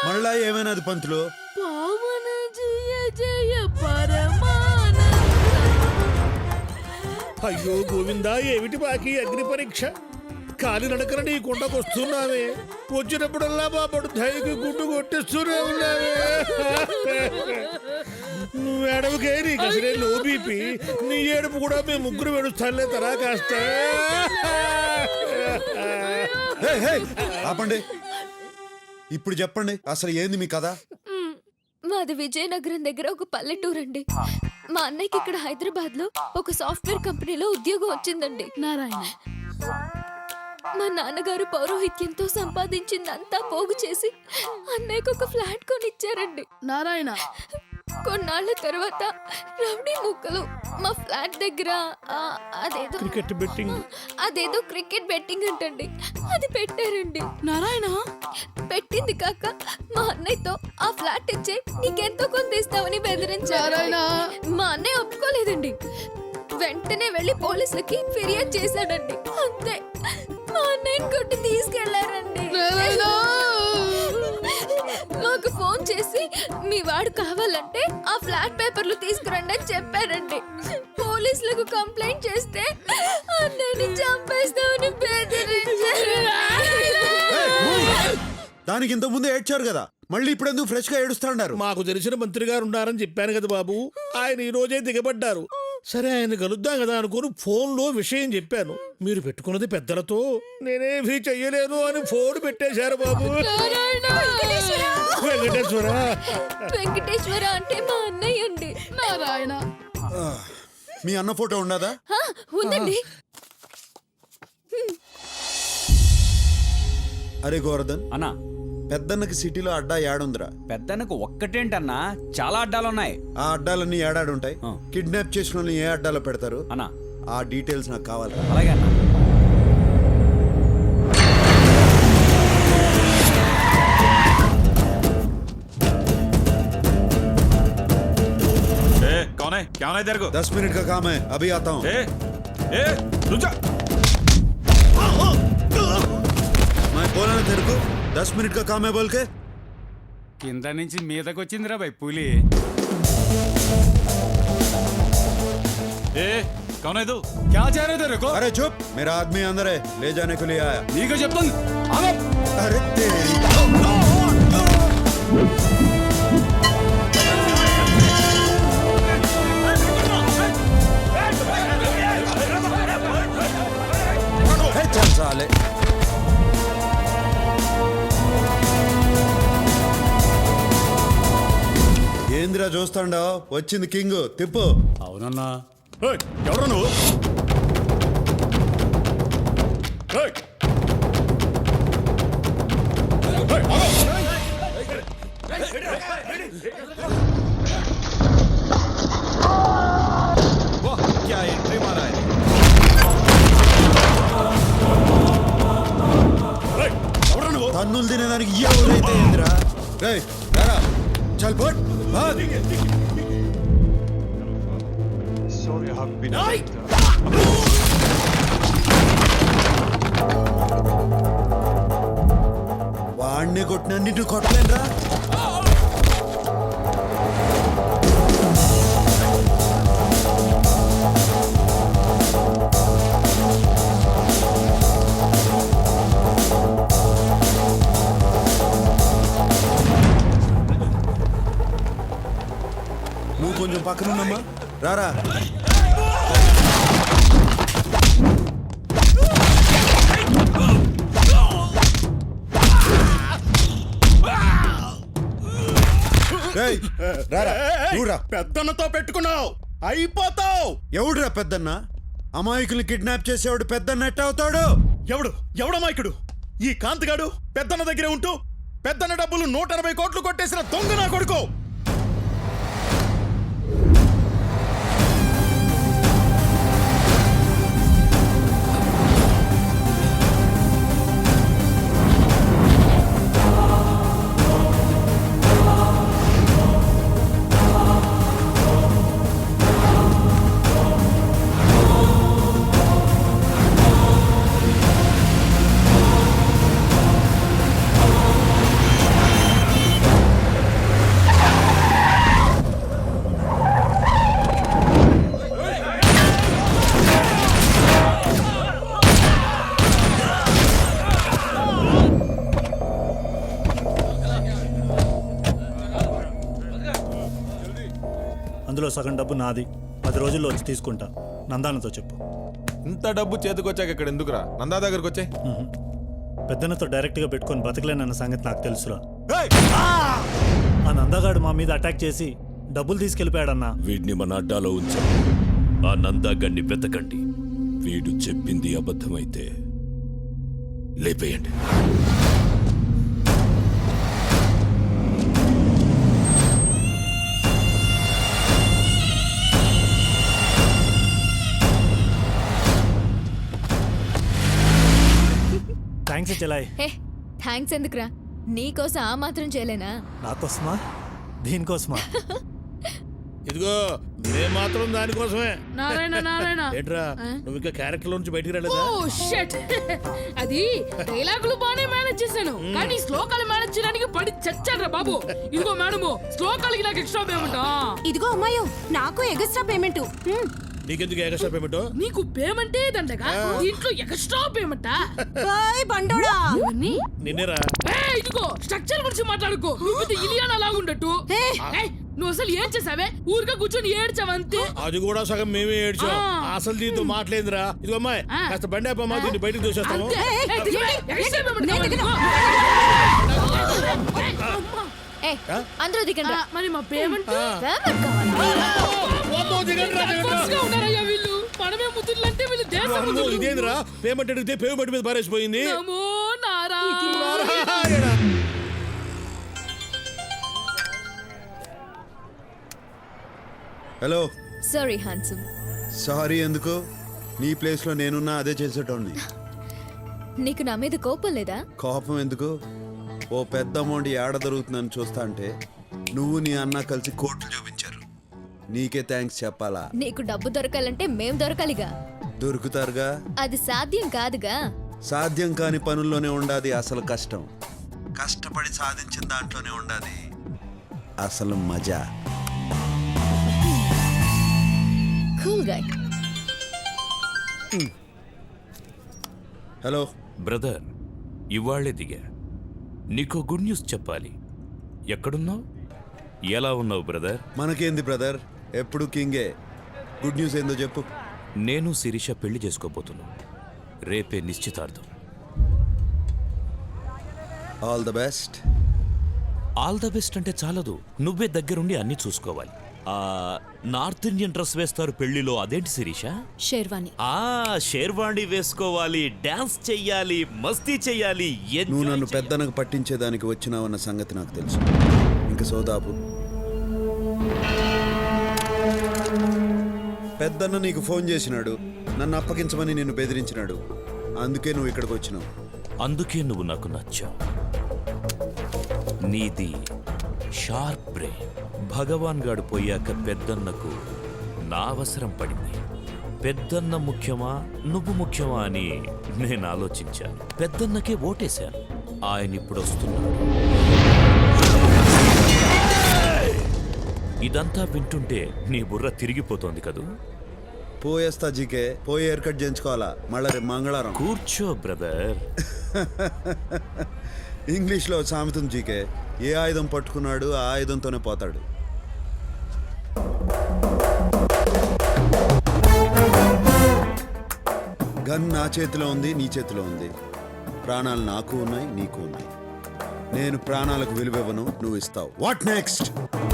మళ్ళా ఏమైనాది పంతులు? పావన జయ జయ పరమానంద. అయ్యో గోవిందా, ఏమిటి బాకీ అగ్ని పరీక్ష? కాలి నడకన నీ కొండకొస్తున్నావే, వచ్చినప్పుడల్లా మా పడు ధైర్యకి గుడ్డు కొట్టిస్తూనే ఉన్నావే. నువ్వు ఏడవకే, నీకు అసలే లో బీపీ. నీ ఏడుపు కూడా మేము ముగ్గురు వెడుస్తానులే తరా కాస్త. ఆపండి, ఇప్పుడు చెప్పండి అసలు ఏంది మీ కథ? మాది విజయనగరం దగ్గర ఒక పల్లెటూరు అండి. మా అన్నయ్యకి ఇక్కడ హైదరాబాద్ లో ఒక సాఫ్ట్వేర్ కంపెనీలో ఉద్యోగం వచ్చిందండి. నారాయణ, మా నాన్నగారు పౌరోహిత్యంతో సంపాదించిందంతా పోగు చేసి అన్నయ్యకు ఒక ఫ్లాట్ కొనిచ్చారండి. నారాయణ, కొన్నాళ్ళ తర్వాత రౌడీ ముక్కలు మా ఫ్లాట్ దగ్గర అదేదో క్రికెట్ బెట్టింగ్ అంటండి, అది పెట్టారండి. నారాయణ, పెట్టింది కాక మా అన్నయ్యతో ఆ ఫ్లాట్ ఇచ్చే నీకెంతో కొంత ఇస్తామని బెదిరించారు. మా అన్నయ్య ఒప్పుకోలేదండి. వెంటనే వెళ్లి పోలీసులకి ఫిర్యాదు చేశాడండి. అంతే, మా అన్నయ్యని కొట్టి తీసుకెళ్లారండి. మాకు ఫోన్ చేసి మీ వాడు కావాలంటే ఆ ఫ్లాట్ పేపర్లు తీసుకురండి అని చెప్పారండి. పోలీసులకు కంప్లైంట్ చేస్తే అన్నయ్యని చంపేస్తామని బెదిరించారు. దానికి ఇంత ముందు ఏడ్చారు కదా, మళ్ళీ ఇప్పుడు ఎందుకు ఫ్రెష్ గా ఏడుస్తాడారు? మాకు తెలిసిన మంత్రి గారు ఉన్నారని చెప్పాను కదా బాబు, ఆయన ఈ రోజే దిగబడ్డారు. సరే ఆయన కలుద్దాం కదా అనుకుని ఫోన్లో విషయం చెప్పాను. మీరు పెట్టుకున్నది పెద్దలతో, నేనేమీ చెయ్యలేను అని ఫోన్ పెట్టేశారు బాబు. వెంకటేశ్వర వెంకటేశ్వర అంటే మా అన్నయ్య అండి. నారాయణ, మీ అన్న ఫోటో ఉండదా? ఉందండి. అరే గోవర్ధన్ అన్నా, పెద్దన్నకి సిటీలో అడ్డా ఏడుందిరా? పెద్దన్నకు ఒక్కటేంటన్నా, చాలా అడ్డాలున్నాయి. ఆ అడ్డాలన్నీ ఏడాడుంటాయి. కిడ్నాప్ చేసిన వాళ్ళని ఏ అడ్డాలో పెడతారు అన్నా? ఆ డీటెయిల్స్ నాకు కావాలి. అలాగే అన్నా. कौन है? क्या होना है तेरे को? 10 मिनट का काम है, अभी आता हूँ. रुक जा. मैं बोला ना तेरे को 10 मिनट का काम है बोल के. కింద నుంచి మీదకి వచ్చిందిరా బై పులి. कौन है तू? क्या चाह रहे थे तेरे को? अरे चुप, मेरा आदमी अंदर है, ले जाने के लिए आया. నీకు చెప్తాను. अरे तेरी चल साले. ఏంద్రా చూస్తాండావు? వచ్చింది కింగ్, తిప్పు. అవునన్నా. ఎవరు నువ్వు? क्या एंट्री मारा है? తన్నులు తినేదానికి ఎవరైతే ఏంద్రా? రేయ్ రారా, చల్ పట్ భాగ్. వాడిని కొట్టిన నిన్ను కొట్టలేనురా. నువ్వు కొంచెం పక్కన ఉన్నమ్మా, రారా. పెద్దన్నతో పెట్టుకున్నావు, అయిపోతావు. ఎవడురా పెద్దన్న? అమాయకుల్ని కిడ్నాప్ చేసేవాడు పెద్దన్న ఎట్ట అవుతాడు? ఎవడమాయకుడు? ఈ కాంతిగాడు పెద్దన్న దగ్గరే ఉంటూ పెద్దన్న డబ్బులు 180 కోట్లు కొట్టేసిన దొంగ నా కొడుకు. సగం డబ్బు నాది 10 రోజుల్లో వచ్చి తీసుకుంటా. నందానతో చెప్పు. ఇంత డబ్బు చేతికొచ్చాక ఇక్కడ ఎందుకురా? నందా దగ్గరకు వచ్చే. పెద్దన్నతో డైరెక్ట్గా పెట్టుకొని బతకలేనన్న సంగతి నాకు తెలుసురా. ఆ నందగాడు మా మీద అటాక్ చేసి డబ్బులు తీసుకెళ్ళిపోయాడన్నా. వీడిని మన అడ్డాలో ఉంచాం. ఆ నందాగన్ని వెతకండి. వీడు చెప్పింది అబద్ధమైతే లేపేయండి. థ్యాంక్స్ చెలాయ్. హే థ్యాంక్స్ ఎందుకురా, నీకోసం ఆ మాత్రం చేయలేనా? నాకోసమా? దీనికోసమా? ఇదిగో మేము మాత్రం దానికోసమే. నారాయణ నారాయణ ఏంట్రా నువ్వు ఇంకా క్యారెక్టర్ నుంచి బయటికి రాలేదా? ఓ షట్ అది డైలాగులు బానే మేనేజ్ చేశాను, కానీ శ్లోకాలు మేనేజ్ చేయడానికి పడి చచ్చాడ్రా బాబు. ఇదిగో మేడము, శ్లోకాలకి నాకు ఎక్స్ట్రా పేమెంట్. ఇదిగో అమ్మాయో, నాకు ఎగస్ట్రా పేమెంట్. నీకెందుకు ఎక్స్ట్రా పేమెంట్? నీకు పేమెంటే దండగా, దీంట్లో ఎక్స్ట్రా పేమెంటా? బాయ్ బండోడా. నిన్నేరా? ఇదిగో స్ట్రక్చర్ గురించి మాట్లాడుకో, నువ్వు పెద్ద ఇలియానా లాగుండట్టు. నువ్వు అసలు ఏం చేసావే? ఊరికే కూర్చొని ఏడ్చావంతే. అది కూడా సగం మేమే ఏడ్చాం. అసలు దీంతో మాట్లాడిందిరా. ఇదిగో అమ్మాయి, కాస్త బండి అప్పమ్మా, దీన్ని బయటకు దోసేస్తాము. అందరూ దిగండి. మరి మా పేమెంట్ వీళ్ళు మనమే ముద్దులంటే వీళ్ళు దేశం. ఇదేంద్రా పేమెంట్ అడిగితే పేమెంట్ మీద పారేసిపోయింది. నమో నారా. హలో. Sorry handsome. సారీ ఎందుకు? నీ ప్లేస్లో నేనున్నా అదే చేసేటోడిని. నీకు నా మీద కోపం లేదా? కోపం ఎందుకు? ఓ పెద్ద అమౌంట్ ఏడ దొరుకుతుందని చూస్తా అంటే నువ్వు నీ అన్న కలిసి కోట్లు చూపించారు. నీకే థ్యాంక్స్ చెప్పాలా? నీకు డబ్బు దొరకాలంటే మేం దొరకాలిగా. దొరుకుతారుగా. అది సాధ్యం కాదుగా. సాధ్యం కాని పనుల్లోనే ఉండాది అసలు కష్టం. కష్టపడి సాధించిన దాంట్లోనే ఉండాది అసలు మజా. Cool guy. హలో బ్రదర్, ఇవాళ్లే దిగా. నీకో గుడ్ న్యూస్ చెప్పాలి. ఎక్కడున్నావు? ఎలా ఉన్నావు బ్రదర్? మనకేంది బ్రదర్, ఎప్పుడు కింగే. గుడ్ న్యూస్ ఏందో చెప్పు. నేను శిరీష పెళ్లి చేసుకోబోతున్నాను. రేపే నిశ్చితార్థం. All the best. All the best అంటే చాలదు, నువ్వే దగ్గరుండి అన్ని చూసుకోవాలి. నార్త్ ఇండియన్ డ్రెస్ వేస్తారు పెళ్లిలో, అదేంటి శిరీష? షేర్వాణి. షేర్వాణి వేసుకోవాలి, డాన్స్ చెయ్యాలి, మస్తీ చెయ్యాలి. నువ్వు నన్ను పెద్దనకు పట్టించేదానికి వచ్చినావన్న సంగతి నాకు తెలుసు. ఇంక సోదాపు. పెద్దన్న నీకు ఫోన్ చేసినాడు, నన్ను అప్పగించమని నిన్ను బెదిరించినాడు. అందుకే నువ్వు ఇక్కడికి వచ్చినావు. అందుకే నువ్వు నాకు నచ్చావు. నీది షార్ప్ బ్రెయిన్. భగవాన్ గాడు పోయాక పెద్దన్నకు నా అవసరం పడింది. పెద్దన్న ముఖ్యమా నువ్వు ముఖ్యమా అని నేను ఆలోచించాను. పెద్దన్నకే ఓటేశాను. ఆయన ఇప్పుడు వస్తున్నాడు. ఇదంతా వింటుంటే నీ బుర్ర తిరిగిపోతోంది కదూ? పోయేస్తా జీకే. పోయి హెయిర్ కట్ చేయించుకోవాలా మళ్ళా రేపు మంగళవారం. కూర్చో బ్రదర్. ఇంగ్లీష్లో సామెతం జీకే, ఏ ఆయుధం పట్టుకున్నాడు ఆ ఆయుధంతోనే పోతాడు. గన్ నా చేతిలో ఉంది, నీ చేతిలో ఉంది. ప్రాణాలు నాకు ఉన్నాయి, నీకు ఉన్నాయి. నేను ప్రాణాలకు విలువివ్వను, నువ్వు ఇస్తావు. What next?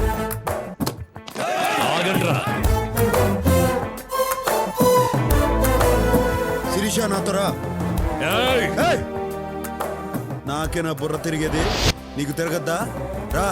శిరీష నాతో రా. నాకే నా బుర్ర తిరిగేది, నీకు తిరగద్దా? రా.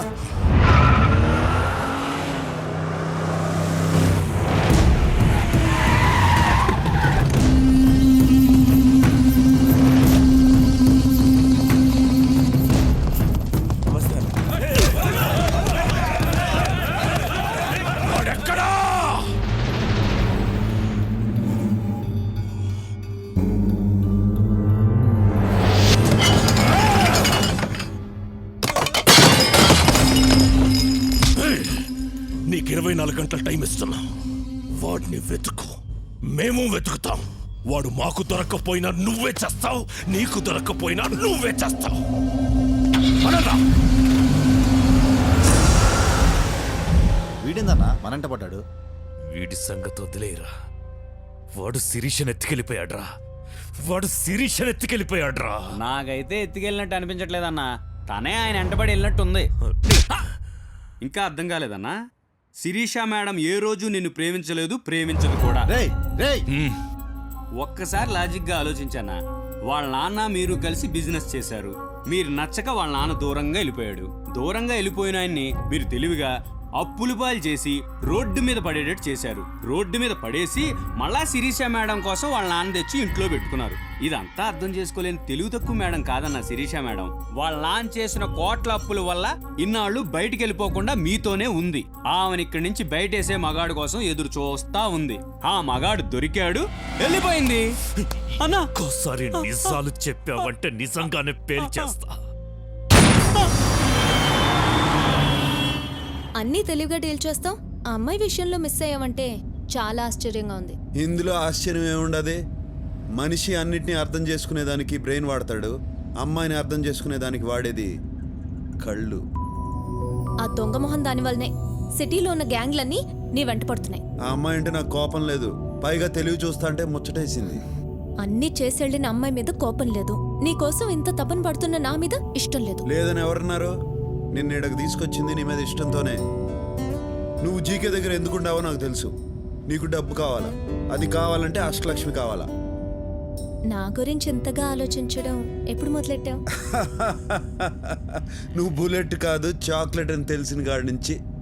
నీకు 24 గంటల టైం ఇస్తున్నా. వాడిని వెతుకు, మేము వెతుకుతాం. వాడు మాకు దొరక్కపోయినా నువ్వే చేస్తావు, నీకు దొరక్కపోయినా నువ్వే చేస్తావు. వీడిందన్నా మనంట పడ్డాడు. వీడి సంగతి వదిలేరా. వాడు శిరీషను ఎత్తుకెళ్ళిపోయాడ్రా. వాడు శిరీషను ఎత్తుకెళ్ళిపోయాడ్రా. నాకైతే ఎత్తుకెళ్ళినట్టు అనిపించట్లేదన్నా, తనే ఆయన వెంటబడి వెళ్ళినట్టుంది. ఇంకా అర్థం కాలేదన్నా? శిరీష మేడం ఏ రోజు నిన్ను ప్రేమించలేదు, ప్రేమించదు కూడా. రేయ్ రేయ్ ఒక్కసారి లాజిక్గా ఆలోచించానా? వాళ్ళ నాన్న మీరు కలిసి బిజినెస్ చేశారు. మీరు నచ్చక వాళ్ళ నాన్న దూరంగా వెళ్ళిపోయాడు. దూరంగా వెళ్ళిపోయిన ఆయన్ని మీరు తెలివిగా అప్పులు పాలు చేసి రోడ్డు మీద పడేటట్టు చేశారు. రోడ్డు మీద పడేసి మళ్ళా శిరీష మేడం కోసం వాళ్ళ నాన్న తెచ్చి ఇంట్లో పెట్టుకున్నారు. ఇదంతా అర్థం చేసుకోలేని తెలివి తక్కువ మేడం కాదన్న శిరీష మేడం. వాళ్ళ నాన్న చేసిన కోట్ల అప్పుల వల్ల ఇన్నాళ్ళు బయటికి వెళ్ళిపోకుండా మీతోనే ఉంది. ఆమెను ఇక్కడి నుంచి బయటేసే మగాడు కోసం ఎదురు చూస్తా ఉంది. ఆ మగాడు దొరికాడు, వెళ్ళిపోయింది. అన్నా ఒక్కోసారి నిజాలు చెప్పావంటే నిజంగానే పేల్చేస్తా. అన్నీ తెలివిగా డీల్ చేస్తావు. ఆ అమ్మాయి విషయంలో మిస్ అయ్యావంటే చాలా ఆశ్చర్యంగా ఉంది. ఇందులో ఆశ్చర్యం ఏముండదే. మనిషి అన్నిటినీ అర్థం చేసుకునేదానికి బ్రెయిన్ వాడతాడు, అమ్మాయిని అర్థం చేసుకునేదానికి వాడేది కళ్ళు. ఆ దొంగ మొహం దాని వల్లనే సిటీలో ఉన్న గ్యాంగ్లన్నీ నీ వెంట పడుతున్నాయి. ఆ అమ్మాయి అంటే నాకు కోపం లేదు, పైగా తెలివి చూస్తా అంటే ముచ్చటేసింది. అన్నీ చేసెళ్ళిన అమ్మాయి మీద కోపం లేదు, నీ కోసం ఇంత తపన పడుతున్న నా మీద ఇష్టం లేదు. లేదని ఎవరన్నారు? నిన్ను ఇక్కడికి తీసుకొచ్చింది నీ మీద ఇష్టంతోనే. నువ్వు జీకే దగ్గర ఎందుకుండావో నాకు తెలుసు. నీకు డబ్బు కావాలా? అది కావాలంటే అష్టలక్ష్మి కావాలా? నా గురించి ఎంతగా ఆలోచించడం ఎప్పుడు మొదలెట్టావు? నువ్వు బుల్లెట్ కాదు చాక్లెట్ అని తెలిసిన కాడి నుంచి